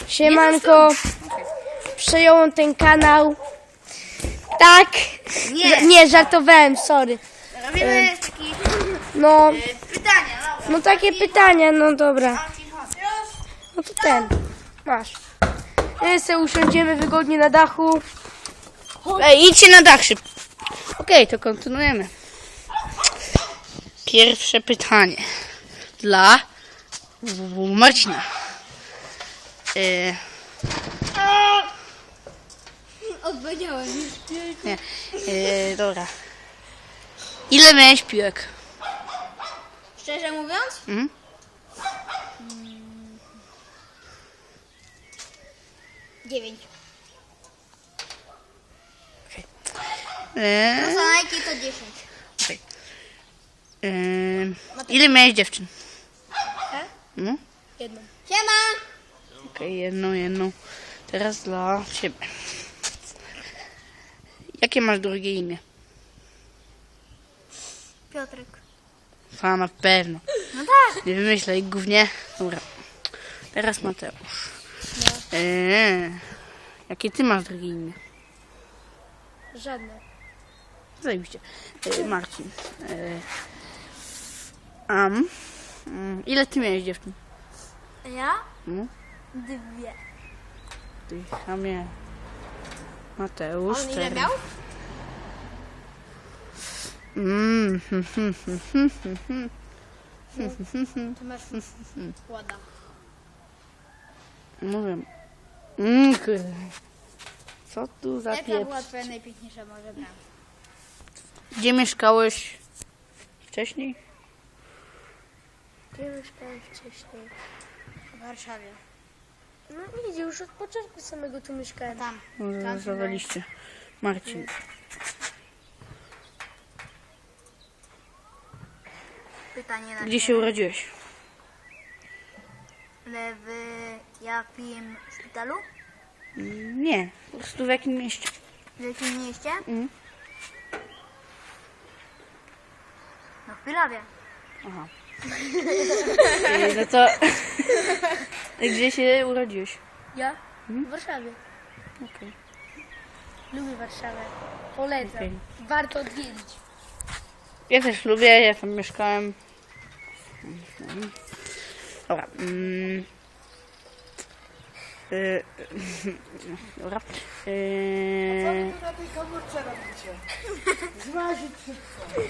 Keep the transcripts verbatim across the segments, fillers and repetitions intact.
Siemanko, przejąłem ten kanał. Tak? Nie. Nie, żartowałem, sorry. Robimy taki No, e, pytania. No, no takie pytania, no dobra. No to ten, masz. My sobie usiądziemy wygodnie na dachu. Ej, idźcie na dach szybko. Okej, to kontynuujemy. Pierwsze pytanie dla Marcina. E, Odpowiedziałem już. nie, e, dobra. Ile miałeś piłek? Szczerze mówiąc? Mhm. Dziewięć. E, No co najmniej to dziesięć. okej. E, ile miałeś dziewczyn? Tak? No? Jedną. Siema! Okej, jedną, jedną. Teraz dla ciebie. Jakie masz drugie imię? Piotrek. A, na pewno. No tak. Nie wymyślaj gównie. Dobra. Teraz Mateusz. Eee, jakie ty masz drugie imię? Żadne. Zajebiście. Eee, Marcin. Eee, am. Mm, ile ty miałeś dziewczyn? Ja? No, Dwie. ty chamie. Mateusz. On ile cztery. miał? Mm, hm, hm, hm, hm, hm, hm. Ty masz ładna. Mówię. Mm, kurde. Co tu za Jaka pieprz? była twoja najpiękniejsza może brama? Gdzie mieszkałeś wcześniej? Gdzie mieszkałem wcześniej? W Warszawie. No widzisz, już od początku samego tu mieszkałem. Tam. Może Tam zawaliście. Marcin. Pytanie na Gdzie się urodziłeś? W jakim szpitalu? Mm, Nie, po prostu w jakim mieście? W jakim mieście? Mhm. No w Pilawie. Aha. Ej, no to... Gdzie się urodziłeś? Ja? W Warszawie. Okej. Lubię Warszawę. Polecam. Okej. Warto odwiedzić. Ja też lubię, ja tam mieszkałem. Dobra. Mm. Y, Dobra. Y, na tej komórce robicie? Zmazić wszystko.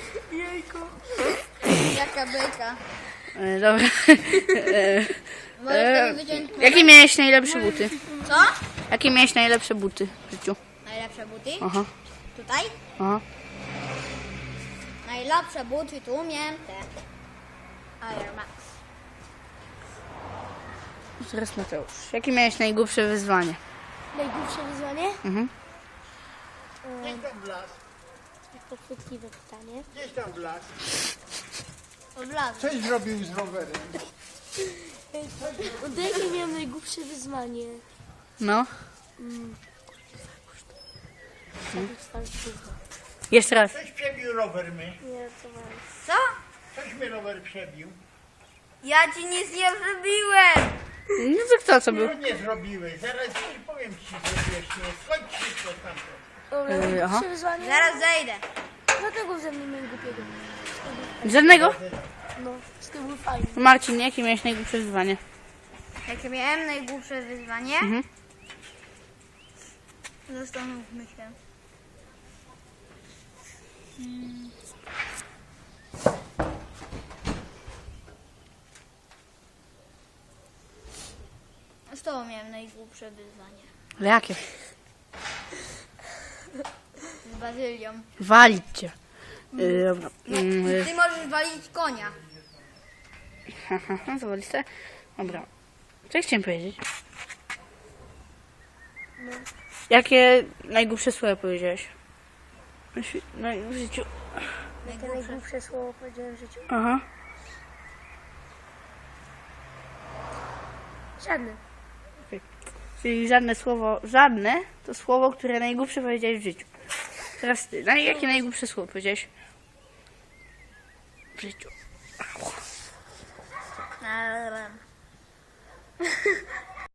Jaka beka. y, Dobra. Y, Możesz e, sobie wyciąć... Jakie miałeś najlepsze buty? Co? Jakie miałeś najlepsze buty w życiu? Najlepsze buty? Aha, Tutaj? aha. Najlepsze buty tu miałem te Air Max. Teraz Mateusz. Jakie miałeś najgłupsze wyzwanie? Najgłupsze wyzwanie? Mhm. Gdzieś tam blask. Podchwytliwe pytanie. Gdzieś tam blask. Odlazł. Coś zrobił z rowerem. Od jakie miałem najgłupsze wyzwanie? No. Hmm. Jeszcze raz. Coś przebił rower my. Nie, co mam? Co? Coś mi rower przebił. Ja ci nic nie zrobiłem! No to kto co był? No nie zrobiłeś. Zaraz ci powiem ci, że wiesz, nie. Skończ wszystko tamto. Dobra, Yy, najgłupsze aha. wyzwanie? Zaraz zejdę. Dlatego ze mnie miałem głupiego. Żadnego? No, z tym był fajny. Marcin, jakie miałeś najgłupsze wyzwanie? Jakie miałem najgłupsze wyzwanie? Mhm. Zastanówmy się. Hmm. Z tobą miałem najgłupsze wyzwanie. Ale jakie? Z Bazylią. Walić cię. Yy, dobra. Nie, Yy, ty możesz walić konia. ha, ha, ha, zawaliste? Dobra. Co ja chciałem powiedzieć? Jakie najgłupsze słowa powiedziałeś? Na świ- na- w życiu. Jakie najgłupsze słowo powiedziałem w życiu? Aha. Żadne. Czyli żadne słowo, żadne to słowo, które najgłupsze powiedziałeś w życiu. Teraz ty, no, jakie najgłupsze słowo powiedziałeś w życiu? Eee,